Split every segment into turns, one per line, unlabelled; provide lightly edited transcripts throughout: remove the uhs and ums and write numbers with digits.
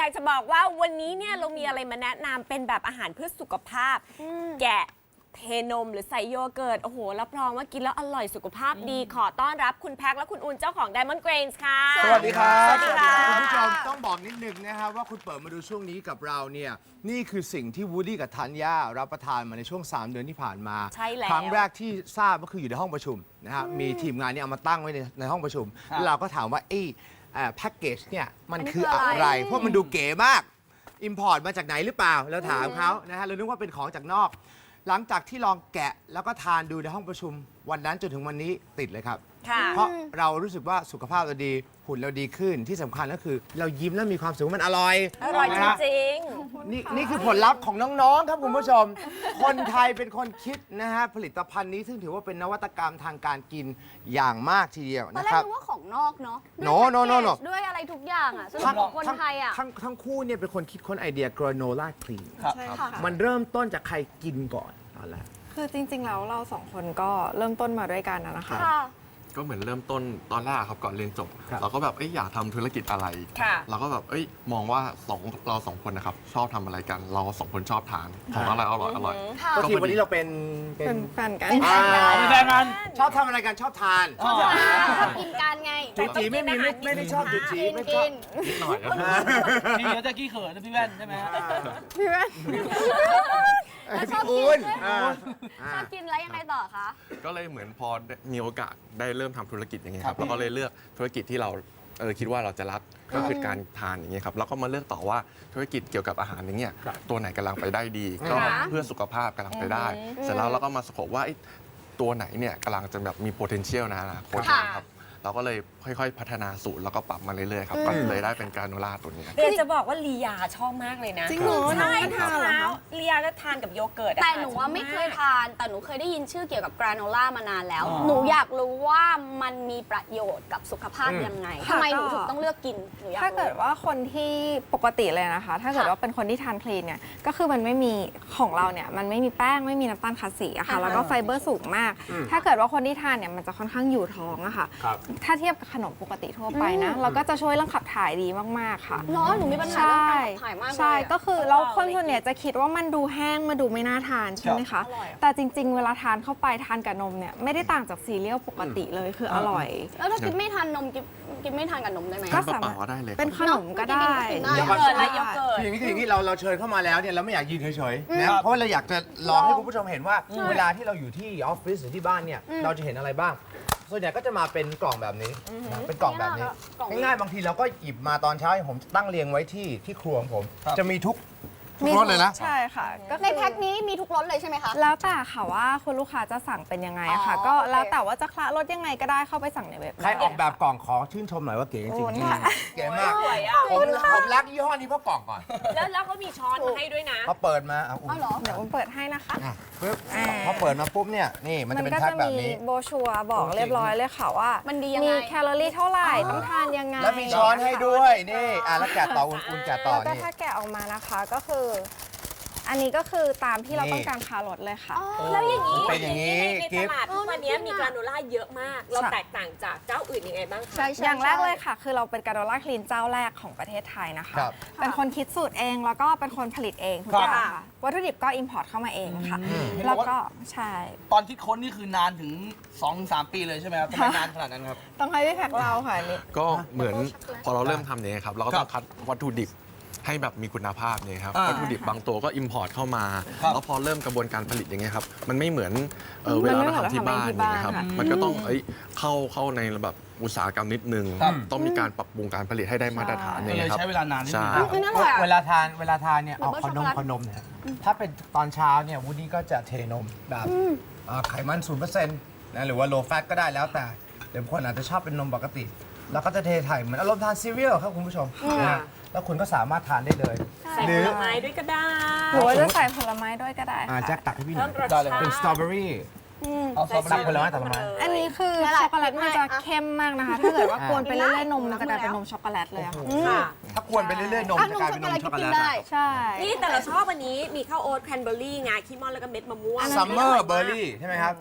อยากจะบอกว่าวันนี้เนี่ยเรามีอะไรมาแนะนำเป็นแบบอาหารเพื่อสุขภาพแกะเทนมหรือใส่โยเกิร์ตโอ้โหรับรองว่ากินแล้วอร่อยสุขภาพดีขอต้อนรับคุณแพ็คและคุณอุ่นเจ้าของ Diamond Grains ค่ะ
สวัสดีครับ
สวัสดีค่ะ
คุณผู้ชมต้องบอกนิดนึงนะครับว่าคุณเปิดมาดูช่วงนี้กับเราเนี่ยนี่คือสิ่งที่วูดดี้กับธัญญารับประทานมาในช่วง 3 เดือนที่ผ่านมา
ใช่แล้ว
ครั้งแรกที่ทราบก็คืออยู่ในห้องประชุมนะฮะมีทีมงานเนี่ยเอามาตั้งไว้ในห้องประชุมแล้วเราก็ถามว่าแพ็กเกจเนี่ยมันคืออะไรเพราะมันดูเก๋มากอิมพอร์ตมาจากไหนหรือเปล่าเราถามเขานะฮะเรานึกว่าเป็นของจากนอกหลังจากที่ลองแกะแล้วก็ทานดูในห้องประชุมวันนั้นจนถึงวันนี้ติดเลยครับเพราะเรารู้สึกว่าสุขภาพเราดีหุ่นเราดีขึ้นที่สำคัญก็คือเรายิ้มแล้วมีความสุขมันอร่อย
จริง
นี่คือผลลัพธ์ของน้องๆครับคุณผู้ชม คนไทยเป็นคนคิดนะฮะผลิตภัณฑ์นี้ซึ่งถือว่าเป็นนวัตกรรมทางการกินอย่างมากทีเดียว
ตอน
นะ
แร
ครั
ก
บ
นึกว่าของนอกเนาะ
No
ด้วยอะไรทุกอย่างอ่ะสำหรับคนไทยอ่ะ
ทั้งคู่เนี่ยเป็นคนคิดค้นไอเดีย granola cream
ใช่ค่ะ
มันเริ่มต้นจากใครกินก่อนตอนแรก
คือจริงๆแล้วเราสองคนก็เริ่มต้นมาด้วยกันนะคะ
ก็เหมือนเริ่มต้นตอนแรกครับก่อนเรียนจบ เราก็แบบอยากทำธุรกิจอะไร เราก็แบบมองว่าเราสองคนนะครับชอบทำอะไรกัน เราสองคนชอบทานของอะไรอร่อย
ก็ทีวันนี้เราเป็น
เป็นแฟนกัน
อ่า
เป็นแฟนกัน
ชอบทำอะไรกันชอบทาน
ชอบกินกันไง
จุจีไม่ได้ชอบจุจีไม่ชอบ
นิดหน่อยครับ
พี่เดี๋ยวจะกี้เขินนะพี่แว่นใช่ไหมฮะ
พี่แว่น
พี่อุ่น
ชอบกินแล้วยังไงต่อคะ
ก็เลยเหมือนพอมีโอกาสได้เริ่มทำธุรกิจอย่างเงี้ยครับเราก็เลยเลือกธุรกิจที่เราคิดว่าเราจะรักก็คือการทานอย่างเงี้ยครับแล้วก็มาเลือกต่อว่าธุรกิจเกี่ยวกับอาหารอย่างเงี้ยตัวไหนกำลังไปได้ดี ก็เพื่อสุขภาพกำลังไปได้ เสร็จแล้วเราก็มาสโคปว่าตัวไหนเนี่ยกำลังจะแบบมี potential นะอนาคตนะครับเราก็เลยค่อยๆพัฒนาสูตรแล้วก็ปรับมาเรื่อยๆครับก็เลยได้เป็นการโนล่าตัวนี้
ๆเรียนจะบอกว่าลียาชอบมากเลยนะ
จริงเหรอ
ใช่
ทานเหรอ
เช้า
คะ
ลียาจะทานกับโยเกิร์ต
แต่หนูว่าไม่เคยทาน แต่หนูเคยได้ยินชื่อเกี่ยวกับกราโนล่ามานานแล้ว หนูอยากรู้ว่ามันมีประโยชน์กับสุขภาพยังไงทำไมหนูถึงต้องเลือกกินหนูอยากรู้
ถ้าเกิดว่าคนที่ปกติเลยนะคะ ถ้าเกิดว่าเป็นคนที่ทานคลีนเนี่ย ก็คือมันไม่มีของเราเนี่ย มันไม่มีแป้งไม่มีน้ำตาลคาสีอะค่ะ แล้วก็ไฟเบอร์สูงมาก ถ้าเกิดว่าคนที่ทานเนี่ยมันจะค่อนข้างอยู่ท้องอะค่ะ ถ้าเทียบกับขนมปกติทั่วไปนะ เราก็จะช่วยเรื่องขับถ่ายดีมากๆค่ะ
เนาะหนูมีปัญหาเรื่องการขับถ่ายมากเลย
ใช่ ก็คือแล้วคนส่วนใหญ่จะคิดว่ามันดูแห้งมาดูไม่น่าทานใช่ไหมคะ แต่จริงๆ เวลาทานเข้าไปทานกับนมเนี่ยไม่ได้ต่างจากซีเรียลปกติเลยคืออร่อย
แล้วถ้ากินไม่ทานนมกินไม่ทานกับนมได้ไหม
ก็
ทานเปล่าๆก็ได้เลยครับ
เป็นขนมก็ได้
เนอะ
โยเกิร์ตและโยเกิร์ต
คืออย่างนี้เราเชิญเข้ามาแล้วเนี่ยเราไม่อยากยืนเฉยๆนะเพราะว่าเราอยากจะลองให้คุณผู้ชมเห็นว่าเวลาที่เราอยู่ที่ออฟฟิศหรือที่บ้านเนี่ยเราจะเห็นอะไรบ้าง ส่วนใหญ่ก็จะมาเป็นกล่องแบบนี้นะเป็นกล่องแบบนี้
กล่อง
ง่ายๆบางทีเราก็หยิบมาตอนเช้าผมตั้งเรียงไว้ที่ครัวของผม จะมีทุกรสเลยนะ
ใช่ค่ะก็
ในแพ็คนี้มีทุกรสเลยใช่ไหมคะ
แล้วแต่ค่ะว่าคุณลูกค้าจะสั่งเป็นยังไงอะค่ะ
อ๋อ
ก็
โอเค
แล้วแต่ว่าจะคละรสยังไงก็ได้เข้าไปสั่งในเว็บ
ใครออกแบบกล่องขอชื่นชมหน่อยว่าเก๋จริง
โอ้
ๆ
ค่ะ
เก๋มาก
สวยอ่ะ
ผมรักยี่ห้อนี้เพราะกล่องก่อน
แล้วเขามีช้อนมาให้ด้วยนะ
พอเปิดมาเอา
อ๋อเหรอ
เดี๋ยวผมเปิดให้นะคะ
ปึ๊บพอเปิดมาปุ๊บเนี่ยนี่มันจะเป็น
ก็
แพ็ค
จะ
แบบ
มี
นี้
โบรชัวร์บอกเรียบร้อยเลยค่ะว่า
มั
มัน
ดียังไง
มีแคลอรี่เท่าไหร่ต้องทานยังไง
แล้วมีช้อนให้ด้วยนี่แล้วแกะต่ออุ่นๆแกะต่อ
แล้วก็
นี่
ถ้าแกะออกมานะคะก็คือ อันนี้ก็คือตามที่เรา
นี่
ต้องการคารสเลยค่ะ
แล้วอย่างนี้
เป็นอย่างนี้
ใน
กิ
ต
ฟต์
ลาดทุกวันนี้มีกราโนล่าเยอะมาก เรา
ใช่
แตกต่างจากเจ้าอื่นยังไงบ้างคะ
ใช่
อย่างแรกเลยค่ะ คือเราเป็นกราโนล่าคลีนเจ้าแรกของประเทศไทยนะคะ
ครับ
เป็นคนคิดสูตรเองแล้วก็เป็นคนผลิตเองทุกอย่างค่ะวัตถุดิบก็อิมพอร์ตเข้ามาเองค่ะ แล้วก็ใช่
ตอนคิดค้นนี่คือนานถึง 2-3 ปีเลยใช่ไหมครับทำไมนานขนาดนั้นครับ
ต้องให้พี่แพ็คเราค่ะอันนี่
ก็เหมือนพอเราเริ่มทำเนี่ยครับเราก็ต้องคัดวัตถุดิบให้แบบมีคุณภาพเนี่ยครับ
อ่า
วัตถุดิบบางตัวก็อิมพอร์ตเข้ามา
ครับ
แล้วพอเริ่มกระบวนการผลิตอย่างเงี้ยครับมันไม่เหมือนเวลาเราทำที่บ้านอย่างเงี้ยครับมันก็ต้องเข้าในแบบอุตสาหกรรมนิดนึง ต้องมีการปรับปรุงการผลิตให้ได้มาตรฐานอย่าง
เล
เงี้
ย
ยครับ
ใช้เวลานานนิดนึง
ใช่
อุ๊ยน่าอร่อยอะ
เวลาทานเนี่ยเอา
เหมือนช็อกโกแลต
ขนมเนี่ยถ้าเป็นตอนเช้าเนี่ยวูดดี้ก็จะเทนมแบบไขมัน 0% นะหรือว่า low fat ก็ได้แล้วแต่เดี๋ยวคนอาจจะชอบเป็นนมปกติ แล้วก็จะเทไถ่เหมือนอารมณ์ทานซีเรียลครับคุณผู้ชมนะแล้วคุณก็สามารถทานได้เลย
ใส่
ห
ผ
รือ
ลไม้ด้วยก็ได้
หรือว่าจะใส่ผลไม้ด้วยก็ได้ค่ะ
แจ็คตักให้พี่หน่
เพิ่
อย
มรสชาติ
เป็นสตรอเบอรี่
เอาซอส
ตักผลไม้ตักผลไม้
อันนี้คือช็อกโกแลตมันจะเข้มมากนะคะ ถ้าเกิดว่ากวนไปเรื่อยๆนมมันจะกลายเป็นนมช็อกโกแลตเลยอะค่ะ
ค่ะ
ถ้ากวนไปเรื่อยๆนม
อ่ะ
จะกลายเป็นนมช็อกโกแลต
ได้
ใช่
นี่แต่เราชอบวันนี้มีข้าวโอ๊ตแครนเบอร์รี่งาคิมอนแล้วก็เม็ดมะม่วง
ซัมเมอร์เบอร์รี่ใช่ไหมครับ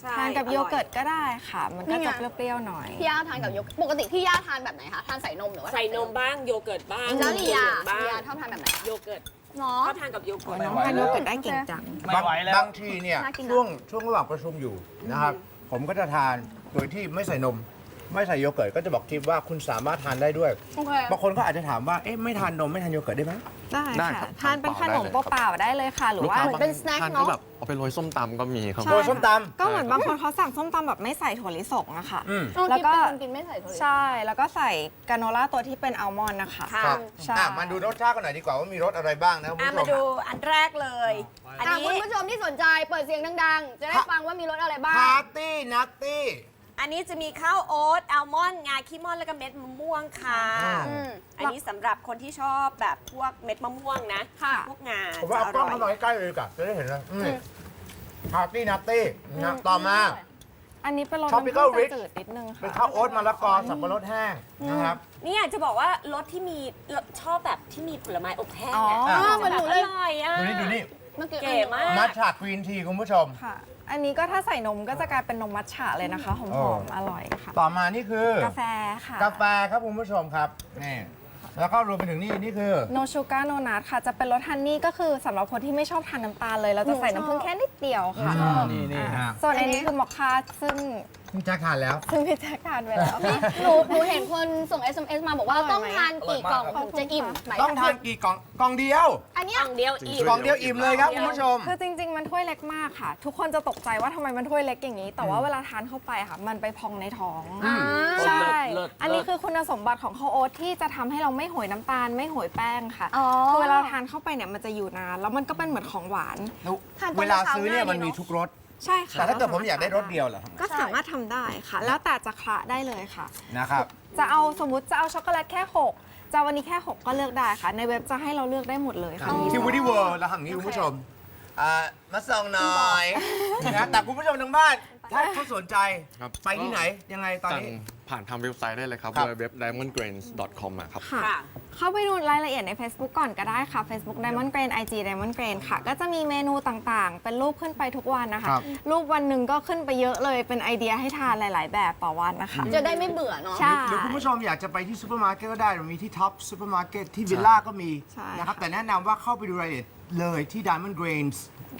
ใช่
ทานกับ
อร่อย
โยเกิร์ตก็ได้ค่ะ มันก็
นี่ไง
จะเปรี้ยวๆหน่อย
พี่ย่าทานกับโยเกิร์ตปกติพี่ย่าทานแบบไหนคะทานใส่นมหรือว่า
ใส่นมบ้างโยเกิร์ตบ้าง
แล้วลียา
บ้าง
ลียาชอบทานแบบไหน
โยเกิร์ต
เนาะ
ชอบทานกับโยเกิร์ต
น้องทานโยเกิร์ตได้เก่งจัง
ไม่ไหวแล้ว
บางทีเนี่ย
น่ากินนะ
ช่วงระหว่างประชุมอยู่นะครับ ผมก็จะทานโดยที่ไม่ใส่นม ไม่ใส่โยเกิร์ตก็จะบอกทิปว่าคุณสามารถทานได้ด้วย
โอเค
บางคนก็อาจจะถามว่าเอ๊ะไม่ทานนมไม่ทานโยเกิร์ตได้ไหม
ได้
ได้
ค่ะ
ครับ
ทานเป็นขนม
เปล่าๆ
เปล่าๆได้เลยค่ะ หรือ
ลูก
ว่า
ค้า
เหมือนเป็น snack
ทาน
เนอะ
ก็แบบเอาไปโรยส้มตำก็มีครับ
ใช่
โรยส้มตำ
ก็เหมือนบางคนเขาสั่งส้มตำแบบไม่ใส่ถั่วลิสงอะค่ะ
อืม
แล้วก็
เป็นคนกินไม่ใส่ถั่วลิสง
ใช่ แล้วก็ใส่กราโนล่าตัวที่เป็นอัลมอนด์นะคะ
ค่ะ
ครับ
ใช่
มาดูรสชาติกันหน่อยดีกว่าว่ามีรสอะไรบ้างนะคุณ
อ่ะ
ผู้ช
มาม ดูอันแรกเลย อัน
คุณ
นี้
ผู้ชมที่สนใจเปิดเสียงดังๆ จะได้ฟังว่ามีรสอะไรบ้าง
ปาร์ตี้นัตตี้
อันนี้จะมีข้าวโอ๊ตอัลมอนด์งาขี้ม่อนแล้วก็เม็ดมะม่วงค่ะ
อืม
อันนี้สำหรับคนที่ชอบแบบพวกเม็ดมะม่วงนะ
ค่ะ
พวกงา
ผมว่าเอากล้องเข้ามาใกล้ๆเลยดีกว่าจะได้เห็นเลยปาร์ตี้นัตตี้นะต่อมา
อันนี้เป็นรส
Tropical
น้ำผึ้ง
Rich
จืดๆนิดนึงค่ะ
เป็นข้าวโอ๊ตมะละกอสับปะรดแห้งนะครับ
นี่อยากจะบอกว่ารสที่มีชอบแบบที่มีผลไม้อบแห้ง
อ๋อ
อะ
เหมือนหนูเลย
อร่อยอ่ะ
ดูนี่
เมื่อกี้
เก๋มาก
มัทฉะกรีนทีคุณผู้ชม
ค่ะ อันนี้ก็ถ้าใส่นมก็จะกลายเป็นนมมัทฉะเลยนะคะ หอมๆ อร่อยค่ะ
ต่อมานี่คือ
กาแฟค่ะ
กาแฟครับคุณผู้ชมครับนี่แล้วก็รวมไปถึงนี่คือ
โนชูการ์โนนัทค่ะ จะเป็นรสฮันนี่ก็คือสำหรับคนที่ไม่ชอบทานน้ำตาลเลย เราจะใส่น้ำผึ้งแค่นิดเดียวค่ะ
นี่ฮะ
ส่วนอันนี้คือมอคค่าซึ่ง
คุณแจ็คทานแล้ว
พี่แจ๊คทานไปแล้ว
หนูเห็นคนส่ง SMS มาบอกว่า
อร่อยไหม
ต้องทานกี่กล่อง
อร่อยมาก
ถึงจะอิ่มหมาย
ต้องทานกี่กล่องกล่องเดียว
อันเนี้
ก
ย
ล่องเดียวอิ่ม
กล่องเดียวอิ่มเลยครับคุณผู้ชม
คือจริง ๆ มันถ้วยเล็กมากค่ะ ทุกคนจะตกใจว่าทำไมมันถ้วยเล็กอย่างนี้ แต่ว่าเวลาทานเข้าไปค่ะ มันไปพองในท้อง ใช่
เลิศ
อันนี้คือคุณสมบัติของข้าวโอ๊ตที่จะทำให้เราไม่โหยน้ำตาล ไม่โหยแป้งค่ะ
อ๋อ
คือเวลาทานเข้าไปเนี่ยมันจะอยู่นาน แล้วมันก็เป็นเหมือนของหวาน
ทานตอน
เวลา
เช้า
ซื้อเนี่ย
ง่ายดี
มันมี
เนอะ
ทุกรส
ใช่ค่ะ
แต่ถ้าเกิดผมอยากได้รสเดียวเหรอ
ก็สามารถทำได้ค่ะ แล้วแต่จะคละได้เลยค่ะ
นะครับ
จะเอาสมมติจะเอาช็อกโกแลตแค่ 6 จะเอาวันนี้แค่ 6 ก็เลือกได้ค่ะ ในเว็บจะให้เราเลือกได้หมดเลยค่ะมี
ที่ Woody World เราทำอย่างนี้คุณผู้ชมมาส่งหน่อยนะแต่คุณผู้ชมทางบ้าน ถ้าเขาสนใจ
ครับ
ไปที่ไหนยังไงตอน
สั่ง
นี้
ผ่านทางเว็บไซต์ได้เลยครับ
ครับ
เว็บ diamondgrains.com อะครับ
ค่ะ
ค่ะ
เข้าไปดูรายละเอียดใน Facebook ก่อนก็ได้ค่ะ Facebook Diamond Grain IG Diamond Grain ค่ะ ก็จะมีเมนูต่างๆ เป็นรูปขึ้นไปทุกวันนะคะ
ครับ
รูปวันหนึ่งก็ขึ้นไปเยอะเลย เป็นไอเดียให้ทานหลายๆ แบบต่อวันนะคะ
จะได้ไม่เบื่อเนาะ
ใช่
หรือคุณผู้ชมอยากจะไปที่ซูเปอร์มาร์เก็ตก็ได้เรามีที่ท็อปซูเปอร์มาร์เก็ตที่วิลล่าก็มี
ใช่
นะครับ แต่แนะนำว่าเข้าไปดูรายละเอียดเลยที่ Diamond Grains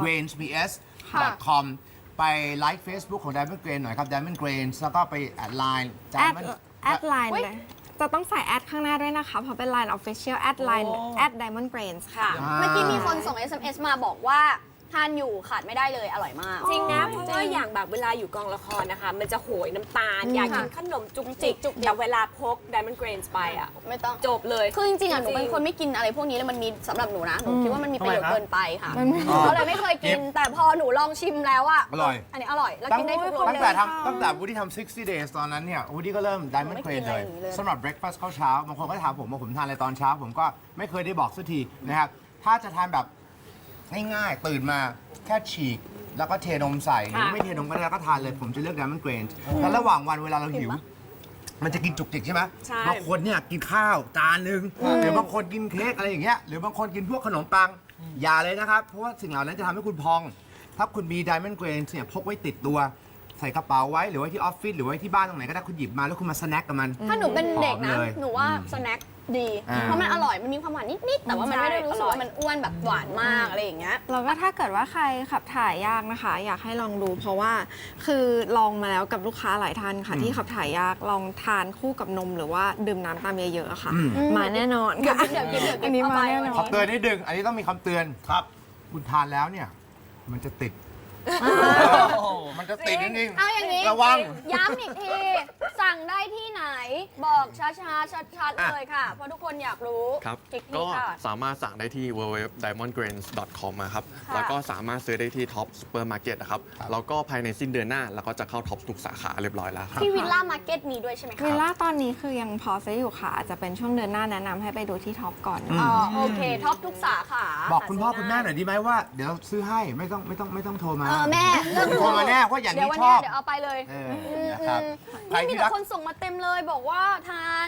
grainsbs.com ไปไลค์ Facebook ของ Diamond Grain หน่อยครับ Diamond Grains แล้วก็ไปแอดไลน์
แอด
Diamond
แอดไลน์เลย จะต้องใส่แอดข้างหน้าด้วยนะคะ เพราะเป็น Line Official แอดไลน์แอด Diamond Grains ค่ะ
เมื่อกี้มีคนส่ง SMS มาบอกว่าทานอยู่ขาดไม่ได้เลยอร่อยมาก
จริงนะเพราะว่าอย่างแบบเวลาอยู่กองละครนะคะ มันจะโหยน้ำตาล อยากกินขนมจุกจิก
จุกจิก
แต่เวลาพก Diamond Grains ไปอ่ะ
ไม่ต้อง
จบเลย
คือจริงๆอ่ะหนูเป็นคนไม่กินอะไรพวกนี้เลยมันมีสำหรับหนูนะ หนูคิดว่ามันมีประโยชน์เกินไปค่ะหนูก็เลยไม่เคยกิน แต่พอหนูลองชิมแล้วอ่ะ
อร่อย
อันนี้อร่อย แล้ว
ตั้ง
กินได้ทุกรส
ตั้ง
เล
แต่
ย
ตั้งแต่วูดดี้ทำ60 days ตอนนั้นเนี่ยวูดดี้ก็เริ่ม Diamond
ไม่กิ
Grain
นอะไร
เลย
อย่างนี้เลย
สำหรับ breakfast ข้าวเช้าบางคนก็ถามผมว่าผมทานอะไรตอนเช้า ผมก็ไม่เคยได้บอกสักทีนะครับ ถ้าจะทานแบบง่ายๆตื่นมาแค่ฉีก แล้วก็เทนมใส่หรือไม่เทนมก็ได้แล้วก็ทานเลยผมจะเลือก Diamond Grain แล้วระหว่างวันเวลาเราหิว มันจะกินจุกจิกใช่ไหม
ใช่
บางคนเนี่ยกินข้าวจานหนึ่งหรือบางคนกินเค้กอะไรอย่างเงี้ยหรือบางคนกินพวกขนมปังอย่าเลยนะครับเพราะว่าสิ่งเหล่านั้นจะทำให้คุณพอง ถ้าคุณมี Diamond Grain เนี่ยพกไว้ติดตัวใส่กระเป๋าไว้หรือไว้ที่ออฟฟิศหรือไว้ที่บ้านตรงไหนก็ได้คุณหยิบมาแล้วคุณมาสแน็คกับมัน
ถ้าหนูเป็นเด็กนะ
หอมเลย
หนูว่าสแน็คดี
อ่า
เพราะมันอร่อย มันมีความหวานนิดๆ แต่ว่ามันไม่ได้รู้สึก
ใช่อร่อย
ว่ามันอ้วนแบบหวานมากอะไรอย่างเงี้ย
แล้วก็ถ้าเกิดว่าใครขับถ่ายยากนะคะ อยากให้ลองดู เพราะว่าคือลองมาแล้วกับลูกค้าหลายท่านค่ะ ที่ขับถ่ายยากลองทานคู่กับนมหรือว่าดื่มน้ำตามเยอะๆค่ะ มาแน่นอนค่ะ
เดี๋ยวกิน
อันนี้มาแน่นอ
ขอน เตือนนิดนึงอันนี้ต้องมีคำเตือนครับ คุณทานแล้วเนี่ยมันจะติดมันจะติดจริง
เอาอย่างนี้
ระวัง
ย้ำอีกที สั่งได้ที่ไหน บอกช้าๆ ชัดๆ เลยค่ะ เพราะทุกคนอยากรู้
ครับ
คลิก
ก็
นี้ค่ะ
สามารถสั่งได้ที่ www.diamondgrains.com นะครับ
ค่ะ
แล้วก็สามารถซื้อได้ที่ท็อปซูเปอร์มาร์เก็ตนะครับ แล้วก็ภายในสิ้นเดือนหน้าเราก็จะเข้าท็อปทุกสาขาเรียบร้อยแล้วครับ
ที่วิลล่ามาร์เก็ตมีด้วยใช่ไหมคะ
วิลล่าตอนนี้คือยังพอซื้ออยู่ค่ะ อาจจะเป็นช่วงเดือนหน้าแนะนำให้ไปดูที่ท็อปก่อน
อ๋อ โอเค ท็อปทุกสาขา
บอกคุณพ่อคุณแม่หน่อยดีไหมว่าเดี๋ยวซื้อให้ไม่ต้องโทรมา
แม่เรื่อง
โทรมาแน่เพราะอย่าง
เดี๋ยว
นี้
วัน
ช
นี้
อบ
เดี๋ยวเอาไปเลย
นะครับใคร
นี่มี
ที่
แต่
รัก
คนส่งมาเต็มเลยบอกว่าทาน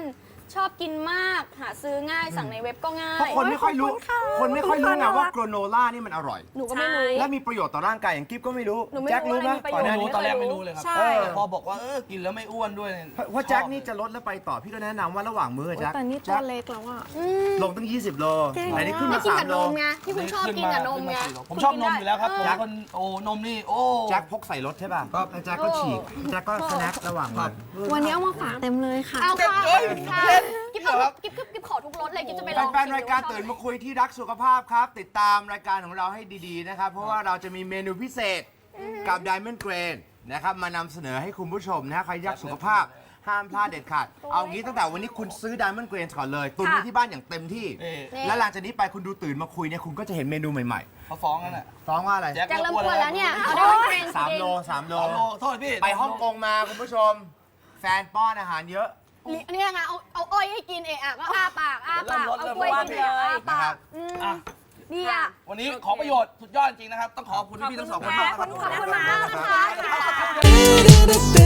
ชอบกินมากหาซื้อง่ายสั่งในเว็บก็ง่า
เพราะ
ย
คนไม่ค่อยรู้ คนไม่ค่อยรู้ไงว่าโกรโนล่านี่มันอร่อย
หนูก็ไม่รู้
และมีประโยชน์ต่อร่างกายอย่างกิ๊บก็ไม่รู้
หนูไม่รู้
แจ็ครู้ไหม
อะไรมีประโยชน์
ก่อนหน้านี้
ตอนแรกไม่รู้เลยครับ
ใช่
พอบอกว่ากินแล้วไม่อ้วนด้วยเนี่ย
เพราะแจ็คนี่จะลดแล้วไปต่อพี่ก็แนะนำว่าระหว่างมื้อแจ็ค
แต่นี่ตั
แจ็
ว
ค
เล็กแล้วอ่ะ
ลงตั้ง 20 โล
เก่ง
อันนี้ขึ้น
ไม่
มา
กินกับ
3 โล
นมไงที่คุณชอบกินกับนมไง
ผมชอบนมอยู่แล้วครับผม
แจ็ค
คนโอ้นมนี่โอ้
แจ็คพกใส่รถใช่ป่ะแล้วแจ็คก็ฉีกแจ็คก็สแน็คระหว่างวัน
วันนี้เอามาฝากเต็มเลยค่ะ
เอาค่ะ
เอ้ย
ค่ะ
เล่น
กิ๊บเอากิ๊บขอทุกรสเลยกิ๊บจะไปลอง
แฟนๆรายการตื่นมาคุยที่รักสุขภาพครับ ติดตามรายการของเราให้ดีๆนะครับ เพราะว่าเราจะมีเมนูพิเศษกับ Diamond Grain นะครับมานำเสนอให้คุณผู้ชมนะฮะใครรักสุขภาพห้ามพลาดเด็ดขาดเอางี้ตั้งแต่วันนี้คุณซื้อ Diamond Grain ก่อนเลย ตุนไว้ที่บ้านอย่างเต็มที่ และหลังจากนี้ไปคุณดูตื่นมาคุยเนี่ยคุณก็จะเห็นเมนูใหม่
เขาฟ้องกันอ่ะ
ๆฟ้องว่าอะไร
แจ็คเริ่มอ้วนแล้วเนี่ยเอาได้เป็น
3 โล 3 โล
โอ้โทษพี่
ไปฮ่องกงมาคุณผู้ชม แฟนป้อนอาหารเยอะ
อันนี้ไงเอาอ้อยให้กินเอะอะก็อ้าปากเอากล้วยกินเอะอ้า
นะ
ปา
ครั
ก
บ
อ่ะ
ดีอ่ะ
วันนี้ของประโยชน์สุดยอดจริงนะครับ ต้องขอบคุณพี่ทั้งสองคนมากนะครับ
ขอบคุณมากนะคะ
Da da da da